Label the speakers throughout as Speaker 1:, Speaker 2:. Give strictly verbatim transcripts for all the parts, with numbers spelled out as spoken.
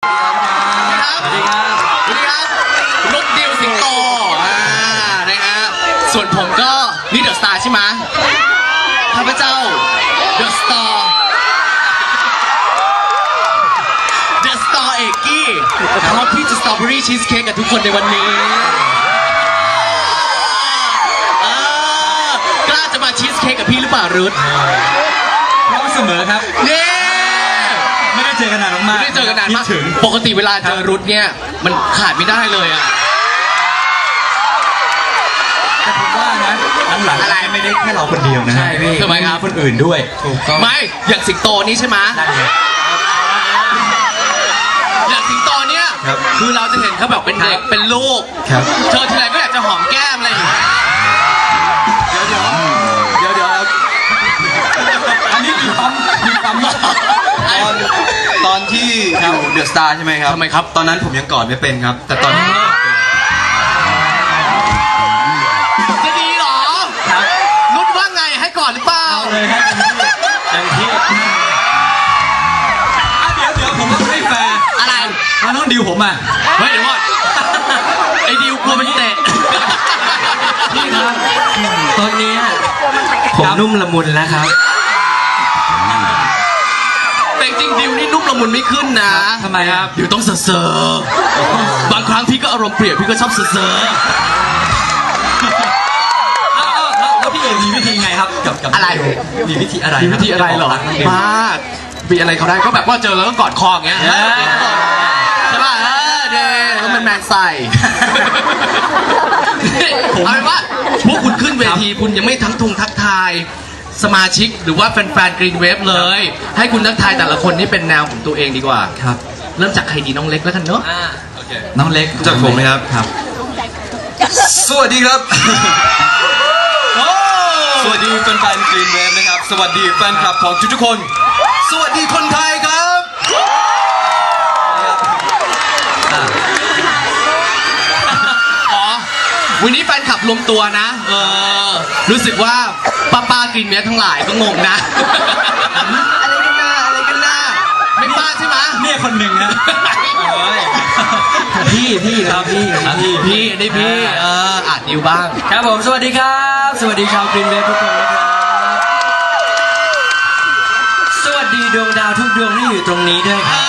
Speaker 1: สวัสดีครับสวัสดีครับนุ๊กดิวสิงโตอ่านะฮะส่วนผมก็นี่เดอะสตาร์ใช่ไหมข้าพเจ้าเดอะสตาร์เดอะสตาร์เอกกี้พร้อมที่จะสตรอเบอรี่ชีสเค้กกับทุกคนในวันนี้กล้าจะมาชีสเค้กกับพี่หรือเปล่ารุท
Speaker 2: พร้อมเสมอครับ
Speaker 1: เย้
Speaker 2: ไม่ได้เจอกันนานมาก
Speaker 1: ไม่ได้เจอกันนานมากปกติเวลาเจอรุทเนี่ยมันขาดไม่ได้เลยอะ
Speaker 2: แต่ผมว่านะหลังๆอะไรไม่ได้แค่เราคนเดียวนะ
Speaker 1: ใช่พี่ทำไมครับ
Speaker 2: คนอื่นด้วยถูกต้อง
Speaker 1: ไม่อย่างสิงโตนี่ใช่ไหมอย่างสิงโตเนี่ยคือเราจะเห็นเขาแบบเป็นเด็กเป็นลูกเจอทีไรก็อยากจะหอมแก้มอะไรอย่างเงี้ย
Speaker 2: เดี๋ยวเดี๋ยวเดี๋ยวเดี๋ยวอันนี้มีปั๊มมีปั๊ม
Speaker 3: ตอนตอนที่อยู่เดอะสตาร์ใช่ไหมครับ
Speaker 1: ทำไมครับ
Speaker 3: ตอนนั้นผมยังกอดไม่เป็นครับแต่ตอนนี้
Speaker 1: จะดีหรอนุชว่าไงให้ก่อนหรือเปล่า
Speaker 2: เอาเลยครับเต็มที่เดี๋ยวเดี๋ยวผมไม่แฟร์
Speaker 1: อะไร
Speaker 2: มันต้องดิวผมอ่ะ
Speaker 1: เฮ้ยเดี๋ยวก่อนไอ้ดิวกลัวมันเตะ
Speaker 2: พี่ครับตอนนี้ผมนุ่มละมุนแล้วครับ
Speaker 1: แต่จริงดิวนี่นุ่มละมุนไม่ขึ้นนะ
Speaker 2: ทำไมครับ
Speaker 1: ดิวต้องเซ่อบางครั้งพี่ก็อารมณ์เปรียบพี่ก็ชอบเซ่อ
Speaker 2: แล้วพี่เอ๋มีวิธีไงครับกับกับ
Speaker 1: อะไร
Speaker 2: มีวิธีอะไร
Speaker 1: มีวิธีอะไรหรอบ้ามีอะไรเขาได้ก็แบบว่าเจอแล้วก็กอดคออย่างเงี้ยใช่ป่ะเออเด็กก็เป็นแมนใส่เอาเป็นว่าพวกคุณขึ้นเวทีคุณยังไม่ทั้งทุงทักทายสมาชิกหรือว่าแฟนๆกรีนเวฟเลยให้คุณทักทายแต่ละคนนี่เป็นแนวของตัวเองดีกว่า
Speaker 2: ครับ
Speaker 1: เริ่มจากใครดีน้องเล็กแล้วกันเนาะ
Speaker 2: น้องเล็ก
Speaker 3: จากผมไหมครับ
Speaker 2: ครับ
Speaker 3: สวัสดีครับสวัสดีแฟนๆกรีนเวฟนะครับสวัสดีแฟนคลับของทุกๆคนสวัสดีคนไทยครับ
Speaker 1: อ๋อวันนี้แฟนคลับรวมตัวนะเออรู้สึกว่าป้าป้ากรีนเวฟทั้งหลายก็งงนะอะไรกันนะอะไรกันนะไม่ป้าใช่ไหม
Speaker 2: เนี่ยคนหนึ่งนะพี่พี่ครับพี่
Speaker 1: พี่พี่ได้พี่เอออาจดิวบ้าง
Speaker 2: ครับผมสวัสดีครับสวัสดีชาวกรีนเวฟทุกคนนะครับสวัสดีดวงดาวทุกดวงที่อยู่ตรงนี้ด้วยครับ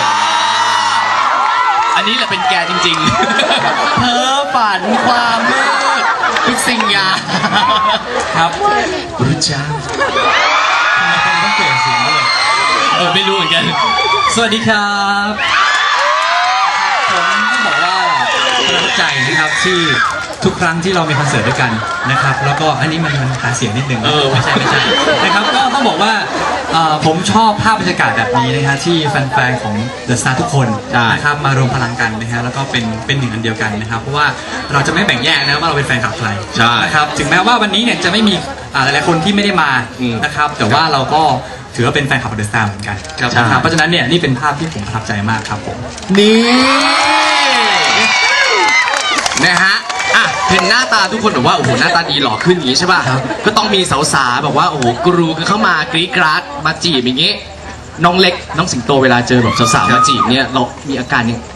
Speaker 1: อันนี้แหละเป็นแกจริงๆเพ้อฝันความมืดทุกสิ่งอย่าง
Speaker 2: ครับ
Speaker 1: รู้จัก
Speaker 2: ต้องเปลี่ยนเสียงด้วย
Speaker 1: เออไม่รู้เหมือนกัน
Speaker 2: สวัสดีครับผมต้องบอกว่าประทับใจนะครับที่ทุกครั้งที่เรามีคอนเสิร์ตด้วยกันนะครับแล้วก็อันนี้มันมันหาเสียงนิดนึงไม่ใช่ไม่ใช่นะครับก็ต้องบอกว่าผมชอบภาพบรรยากาศแบบนี้นะฮะที่แฟนๆของ The Star ทุกคนนะครับมารวมพลังกันนะฮะแล้วก็เป็นเป็นหนึ่งอันเดียวกันนะครับเพราะว่าเราจะไม่แบ่งแยกนะว่าเราเป็นแฟนคลับใครนะครับถึงแม้ว่าวันนี้เนี่ยจะไม่มีหลายๆคนที่ไม่ได้มานะครับแต่ว่าเราก็ถือว่าเป็นแฟนคลับของ The Star เหมือนกันนะครับเพราะฉะนั้นเนี่ยนี่เป็นภาพที่ผมประทับใจมากครับผม
Speaker 1: นี่นะฮะอ่ะเห็นหน้าตาทุกคนแบบว่าโอ้โหหน้าตาดีหล่อขึ้นอย่างนี้ใช่ป่ะก็ต้องมีสาวๆแบบว่าโอ้โหกรูกันเข้ามากรี๊ดกราดมาจีบอย่างงี้น้องเล็กน้องสิงโตเวลาเจอแบบสาวๆมาจีบเนี่ยเรามีอาการยัง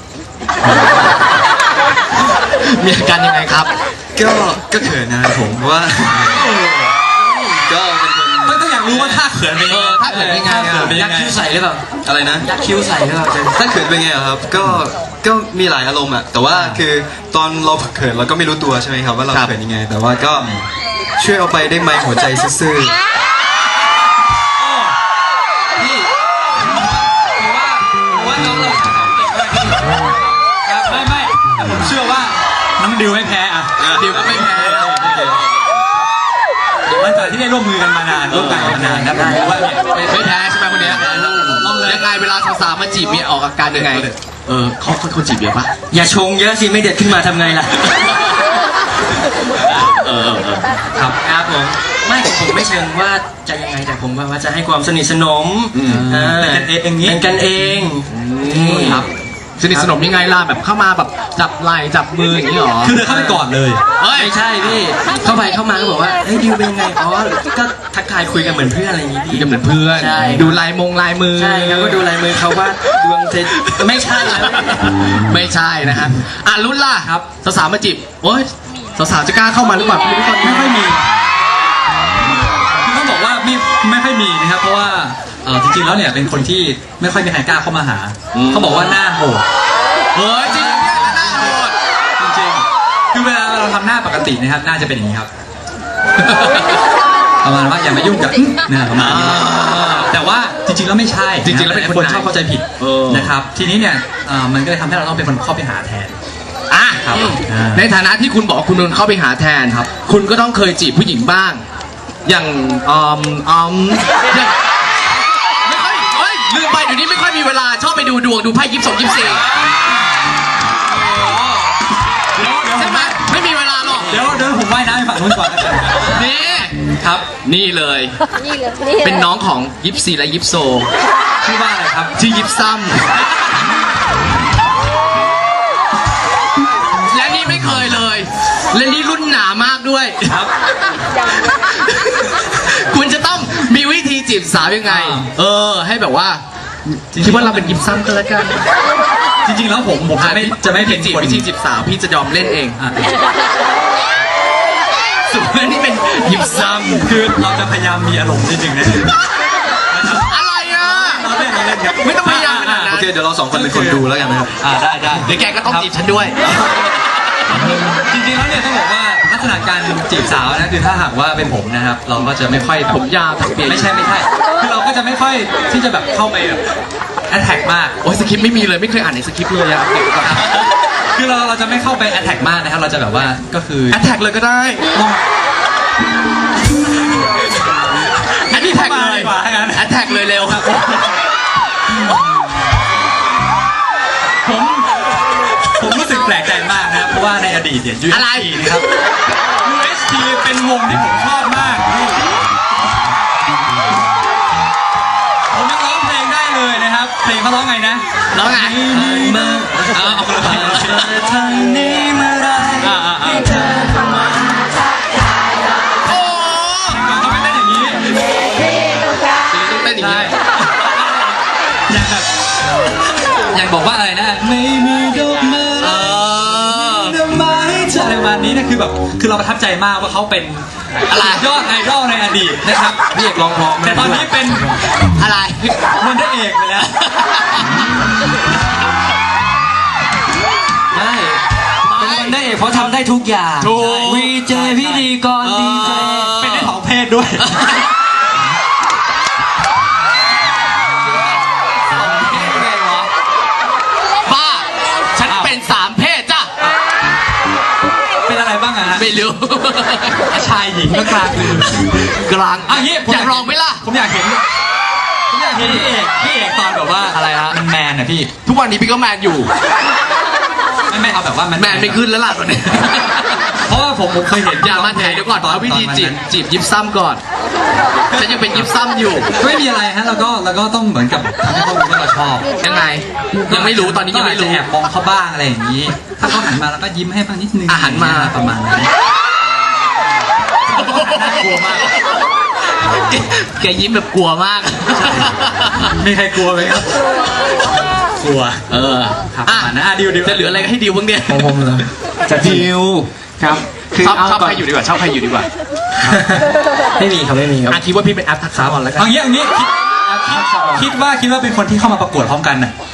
Speaker 1: มีอาการยังไงครับ
Speaker 3: ก็ก็เขินนะครับผมว่าก็เป็นคน
Speaker 2: ไม่ต้องอยากรู้ว่าท่าเขินเป็นยังไง
Speaker 1: ท่าเขินเป็นยังไง
Speaker 2: ยักคิ้วใส่หรือเปล่า
Speaker 3: อะไรนะ
Speaker 2: ยักคิ้วใส่หรือเปล่า
Speaker 3: ท่าเขินเป็นไงครับก็ก็มีหลายอารมณ์อะแต่ว่าคือตอนเราเขินเราก็ไม่รู้ตัวใช่ไหมครับว่าเราเขินยังไงแต่ว่าก็ช่วยเอาไปได้ไหมหัวใจซื่อ
Speaker 2: พี่ผมว่าผมว่าน้องเราเก่งมากครับไม่ไม่แต่ผมเชื่อว่าน้องดิวไม่แพ้อะ
Speaker 1: ดิวก็ไม่แพ้
Speaker 2: หลังจากที่ได้ร่วมมือกันมานานร่วมกันมานานนะผมว่า
Speaker 1: ไม่แพ้ใช่ไหมคนนี้ยังไงเวลาสาวๆมาจีบเมียออกอาการยังไงเออเขาคนจีบเมียปะ
Speaker 2: อย่าชงเยอะสิไม่เด็ดขึ้นมาทำไงล่ะ
Speaker 1: เออ
Speaker 2: ครับครับผมไม่ผมไม่เชิงว่าจะยังไงแต่ผมว่าจะให้ความสนิทสนมเป็นกันเองอย่างนี้เป็นกันเองครับ
Speaker 1: สนิทสนมยังไงล่ะแบบเข้ามาแบบจับไหล่จับมืออย่างนี้หรอ
Speaker 2: คือเดินเข้าไปก่อนเลย
Speaker 1: เฮ้ย
Speaker 4: ไม่ใช่พี่เข้าไปเข้ามาก็บอกว่าเฮ้ยดิวเป็นไงอ๋อก็ทักทายคุยกันเหมือนเพื่อนอะไรอย่างงี้
Speaker 1: คุย
Speaker 4: พี่
Speaker 1: กันเหมือนเพื่อน
Speaker 4: ใช่
Speaker 1: ดูลายมงลายมือ
Speaker 4: ใช่ครับก็ดูลายมือเขาว่าดวงเทไม่ใช่นะ
Speaker 1: ไม่ใช่นะฮะอ่ะรุ่นล่ะ
Speaker 2: ครับ
Speaker 1: สาวๆมาจีบโอ๊ยสาวๆจะกล้าเข้ามาหรือเปล่าไม่รู้ตอนนี้
Speaker 2: ไม่ค่อยมีคือต้องบอกว่าไม่ไม่ค่อยมีนะครับ เพราะว่าเออจริงๆแล้วเนี่ยเป็นคนที่ไม่ค่อยมีใครกล้าเข้ามาหา เขาบอกว่าหน้าโหด
Speaker 1: เฮ้ยจริงเนี่ยหน้าโหด
Speaker 2: จริงๆ คือเวลาเราทำหน้าปกตินะครับหน้าจะเป็นอย่างนี้ครับ ประมาณว่าอย่ามายุ่งกับนะประมาณนี้แต่ว่าจริงๆแล้วไม่ใช่
Speaker 1: จริงๆแล้วเป็นคน
Speaker 2: คนชอบเข้าใจผิด
Speaker 1: เออ
Speaker 2: นะครับ ทีนี้เนี่ยเอ่อมันก็เลยทำให้เราต้องเป็นคนเข้าไปหาแทน
Speaker 1: อ่ะ
Speaker 2: ครับ
Speaker 1: อืม
Speaker 2: อ่า
Speaker 1: ในฐานะที่คุณบอกว่าคุณโดนเข้าไปหาแทน
Speaker 2: ครับ
Speaker 1: คุณก็ต้องเคยจีบผู้หญิงบ้าง อย่างอืมอืมอย่างไม่ค่อยเฮ้ยลืมไปเดี๋ยวนี้ไม่ค่อยมีเวลาชอบไปดูดวงดูไพ่ยิปสองยิปสี่ใช่ไหมไม่มีเวลาหรอก
Speaker 2: เดี๋ยวเดี๋ยวผมว่ายน้ำไปฝั่งนู้นก่อนนะครับ
Speaker 1: นี่
Speaker 2: ครับ
Speaker 1: นี่เลย
Speaker 5: นี่เลยนี่เลย
Speaker 1: เป็นน้องของยิปซีและยิปโซ
Speaker 2: ชื่อว่าอะไรครับ
Speaker 1: ชื่อยิปซัมและนี่ไม่เคยเลย และนี่รุ่นหนามากด้วย
Speaker 2: ครับ
Speaker 1: คุณจะต้องมีวิธีจีบสาวยังไง
Speaker 2: อ่า
Speaker 1: เออ ให้แบบว่า
Speaker 2: จริงๆ
Speaker 1: คิดว่าเราเป็นยิปซัมก็แล้วกัน
Speaker 2: จริงๆแล้วผมผมจะไม่จะไม่เป็น
Speaker 1: จีบ
Speaker 2: คน
Speaker 1: วิธีจีบสาวพี่จะยอมเล่นเอง
Speaker 2: อ่ะ
Speaker 1: ส่วนนี่เป็นยิปซัม
Speaker 2: คือเราจะพยายามมีอารมณ์นิดนึงนะ
Speaker 1: อะไรอ่ะ
Speaker 2: เราเล่นเราเล่นครับ
Speaker 1: ไม่ต้องพยายามขนาดนั้น
Speaker 3: โอเคเดี๋ยวเราสองคนเป็นคนดูแล้วกันนะครับ
Speaker 2: อ่าได้ได้
Speaker 1: เดี๋ยวแกก็ต้องจีบฉันด้วย
Speaker 2: จริงๆแล้วเนี่ยต้องบอกว่าลักษณะการจีบสาวนะคือถ้าหากว่าเป็นผมนะครับ เราก็จะไม่ค่อยแบบ
Speaker 1: ผมยาวถักเปีย
Speaker 2: ไม่ใช่ไม่ใช่คือเราก็จะไม่ค่อยที่จะแบบเข้าไปแบบแอทแทกมาก
Speaker 1: โอ้ยสคริปต์ไม่มีเลยไม่เคยอ่านในสคริปต์เลยอะ
Speaker 2: คือเราเราจะไม่เข้าไปแอทแทกมากนะครับเราจะแบบว่าก็คือ
Speaker 1: แอดแท็กเลยก็ได้
Speaker 2: มอง
Speaker 1: แอดแท็กเลย
Speaker 2: ดีกว่าถ้างั้น
Speaker 1: แอดแท็กเลยเร็วครับ
Speaker 2: ผมผมรู้สึกแปลกใจมากนะครับเพราะว่าในอดีตเนี่ย ยู เอส ที นะครับ ยู เอส ที เป็นวงที่ผมชอบมาก ผมยังร้องเพลงได้เลยนะครับ เพลงเขาร้องไงนะ
Speaker 1: แล้วไง
Speaker 2: มาเอาเอาคนละเพลงทางนี้เมื่อไรให้เธอเข้ามา
Speaker 1: โอ้
Speaker 2: เขาไม่เต้นอย่างนี้
Speaker 1: ต้องเต้นอย่าง
Speaker 2: ใช่
Speaker 1: นี้
Speaker 2: อยากแบบอยากบอกว่าอะไรนะไม่มีดอกไม้
Speaker 1: เออ
Speaker 2: ดอกไม้จะอะไรประมาณนี้นะคือแบบคือเราประทับใจมากว่าเขาเป็น
Speaker 1: อะไร
Speaker 2: ยอดไอดอลในอดีตนะครับพี่เอกร้องเพราะแต่ตอนนี้เป็น
Speaker 1: อะไร
Speaker 2: คนได้เอกไปแล้ว
Speaker 4: ได้เป็นคนได้เอกเพราะทำได้ทุกอย่าง
Speaker 1: ถูก
Speaker 4: วีเจพิธีกรดีเจ
Speaker 2: เป็นได้สองเพศด้วย
Speaker 1: บ้า ฉันเป็นสามเพศจ้ะ
Speaker 2: เป็นอะไรบ้างอะฮะ
Speaker 1: ไม่รู้
Speaker 2: ชายหญิงก็กลางคือก
Speaker 1: ลาง
Speaker 2: อ่ะงี้ผม
Speaker 1: อยากลองไหมล่ะ
Speaker 2: ผมอยากเห็นผมอยากเห็นพี่เอกพี่เอกตอนแบบว่า
Speaker 1: อะไรฮะ
Speaker 2: มันแมนอะพี่
Speaker 1: ทุกวันนี้พี่ก็แมนอยู่
Speaker 2: ไม่ไม่เอาแบบว่ามัน
Speaker 1: แมนไม่ขึ้นแล้วล่ะตอนนี้
Speaker 2: เพราะว่าผมผมเคยเห็น
Speaker 1: อย่ามาแถเดี๋ยวก่อนเอาวิธีจีบจีบยิปซัมก่อน ฉันยังเป็นยิปซัมอยู่
Speaker 2: ไม่มีอะไรฮะแล้วก็แล้วก็ต้องเหมือนกับทำให้เขารู้ว่าเราชอบ
Speaker 1: ยังไง ยังไม่รู้ตอนนี้ยังไม่รู้
Speaker 2: ก็อาจจะแอบมองเขาบ้างอะไรอย่างนี้ ถ้าเขาหันมาแล้วก็ยิ้มให้บ้างนิดนึง
Speaker 1: อ่ะหันมา
Speaker 2: ประมาณนั้นน่ากลัวมาก
Speaker 1: แกแกยิ้มแบบกลัวมาก
Speaker 2: มีใครกลัวไหมครับ กลัว
Speaker 1: เออ
Speaker 2: ครับ
Speaker 1: อ่ะ
Speaker 2: ประมาณนั้นอ่ะดิวดิว
Speaker 1: จะเหลืออะไรให้ดิวบ้างเนี่ย
Speaker 4: ของผมเหรอจะดิวครับคือ
Speaker 1: ชอบ
Speaker 4: เอา
Speaker 1: ชอบ
Speaker 4: ก่อน
Speaker 1: ใครอยู่ดีกว่าชอบใครอยู่ดีกว่า
Speaker 4: ไม่มีครับไม่มีครับ
Speaker 1: อ่ะคิดว่าพี่เป็นแอปทักษะก่อนแล้วกัน
Speaker 2: เอางี้เอางี้คิดคิดคิดว่าคิดว่าเป็นคนที่เข้ามาประกวดพร้อมกันน่ะ